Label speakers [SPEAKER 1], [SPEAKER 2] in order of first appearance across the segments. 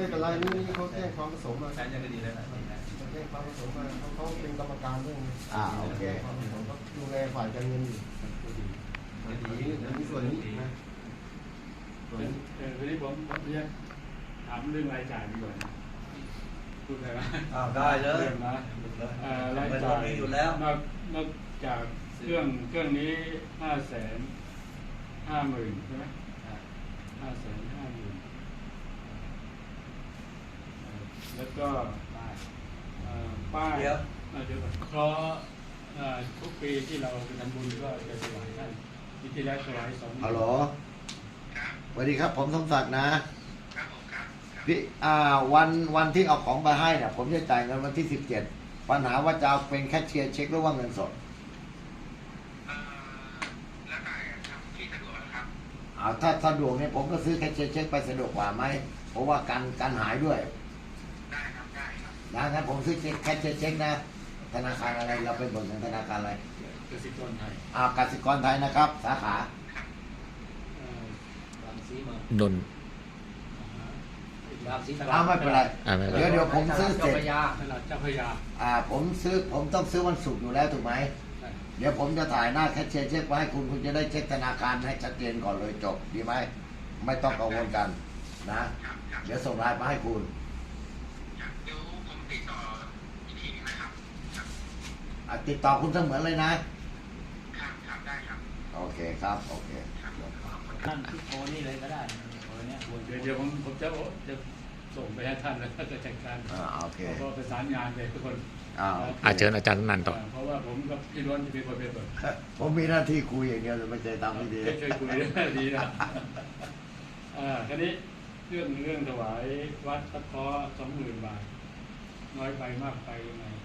[SPEAKER 1] ไม่เป็นไรนี่เขาแจ้งความผสมมา
[SPEAKER 2] ใช้ยังดีแล้วนะ
[SPEAKER 1] เขาแจ้งความผสมมาเขาเป็นกรรมการเรื่อง
[SPEAKER 3] โอเค
[SPEAKER 1] ความผสมเขาดูแลฝ่ายการเงินอยู่ดีมีส่วนนี้นะ
[SPEAKER 4] วันนี้ผมเรียกถามเรื่องรายจ่ายดีกว่าพูดได้ไหม
[SPEAKER 2] ได้เลย
[SPEAKER 4] รายจ่ายอยู่แล้วนอกจากเครื่องนี้550,000ใช่ไหม550,000แล้วก็ป้ายเดี๋ยวเพราะทุกปีที่เราไปทำบุญก็จะถวายท่านปีที่แล้วถวาย2
[SPEAKER 3] ฮัลโหลสวัสดีครับผมสมศักดิ์นะพี่วันที่เอาของไปให้เนี่ยผมจะจ่ายเงินวันที่17ปัญหาว่าจะเอาเป็นแคชเชียร์เช็คหรือว่าเงินสด
[SPEAKER 5] แล้วแต่ที่สะดวกครับ
[SPEAKER 3] ถ้าสะดวกเนี่ยผมก็ซื้อแคชเชียร์เช็คไปสะดวกกว่าไหมเพราะว่าการหายด้วย
[SPEAKER 5] ได้ครับ
[SPEAKER 3] งั้นผมซื้อแคชเชียร์เช็คนะธนาคารอะไรเราเป็นบริษัทธนาคารอะไร
[SPEAKER 4] กสิกรไทย
[SPEAKER 3] กสิกรไทยนะครับสาขา
[SPEAKER 6] นนท์
[SPEAKER 3] ไม่เป็นไรเดี๋ยวผมซื้อเสร็จ
[SPEAKER 4] เจ้าพยา
[SPEAKER 3] ผมต้องซื้อวันศุกร์อยู่แล้วถูกไหมเดี๋ยวผมจะถ่ายหน้าแคชเชียร์เช็คไว้ให้คุณจะได้เช็คธนาคารให้ชัดเจนก่อนเลยจบดีไหมไม่ต้องกังวลกันนะเดี๋ยวส่งไลน์มาให้คุณ
[SPEAKER 5] เดี๋ยวผมติดต่ออีกทีนึงนะครับ
[SPEAKER 3] ติดต่อคุณเสมือนเลยนะครับ
[SPEAKER 5] ได้ครับ
[SPEAKER 3] โอเคครับโอเค
[SPEAKER 2] ท่านโอนี่เลยก็ได้
[SPEAKER 4] เดี๋ยวผมจะส่งไปให้ท่านแล้วก็จะจัดการ
[SPEAKER 3] โอเค
[SPEAKER 4] ก็ประสานงานไปทุกคน
[SPEAKER 6] เชิญอาจารย์นันต่อ
[SPEAKER 4] เพราะว่าผมกับพี่ล้วนจะเป็นคนไปเปิด
[SPEAKER 3] ผมมีหน้าที่คุยอย่างเดียวไม่ใช่ทำไม่ดี
[SPEAKER 4] ช่วยคุยได้ดีนะคราวนี้เรื่องถวายวัดตะเคาะ20,000 บาทน้อยไปมากไปยังไง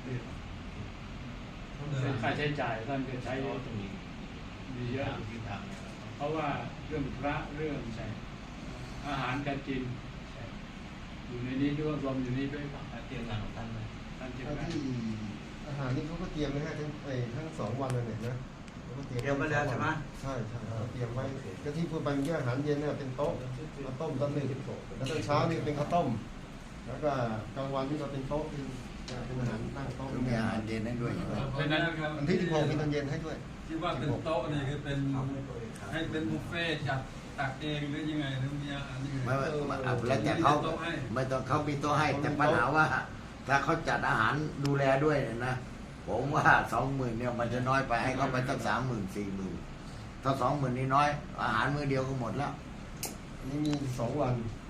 [SPEAKER 4] ค่าใช้จ่ายท่านจะใช้ดีเยอะเพราะว่าเรื่องพระเรื่องอาหารการกินอยู่ในนี้ด้วยรวมอยู่นี้ด้วย
[SPEAKER 2] เตรียมงานของท่านเลย
[SPEAKER 1] ที่อาหารนี่เขาก็เตรียมไว้ให้ทั้ง2 วันเลยนะ
[SPEAKER 2] เตรียมไว้แล้วใช่ไหม
[SPEAKER 1] ใช่เตรียมไว้ก็ที่พูดไปเมื่อกี้อาหารเย็นเนี่ยเป็นโต๊ะมาต้มตอน1แล้วตอนเช้านี่เป็นข้าวต้มแล้วก็กลางวันนี่ก็เป็นโต๊ะเป็นอาหารนั่งโต๊ะ
[SPEAKER 3] มีอาหารเย็นให้ด้วยใช่ไหม
[SPEAKER 1] อันที่16มีตอนเย็นให้ด้วย
[SPEAKER 7] ที่ว่าเป็นโต๊ะนี่คือเป็นให้เป็นบุฟเฟ่จัดตักเองหรือยังไงหรือมีอาหารยังไง
[SPEAKER 3] แล้วแต่เขาไม่ต้องเขามีโต๊ะให้แต่ปัญหาว่าถ้าเขาจัดอาหารดูแลด้วยเนี่ยนะผมว่า20,000เนี่ยมันจะน้อยไปให้เขาไปตั้ง30,000 40,000ถ้า20,000นี่น้อยอาหารมื้อเดียวก็หมดแล้ว
[SPEAKER 1] นี่มี2 วัน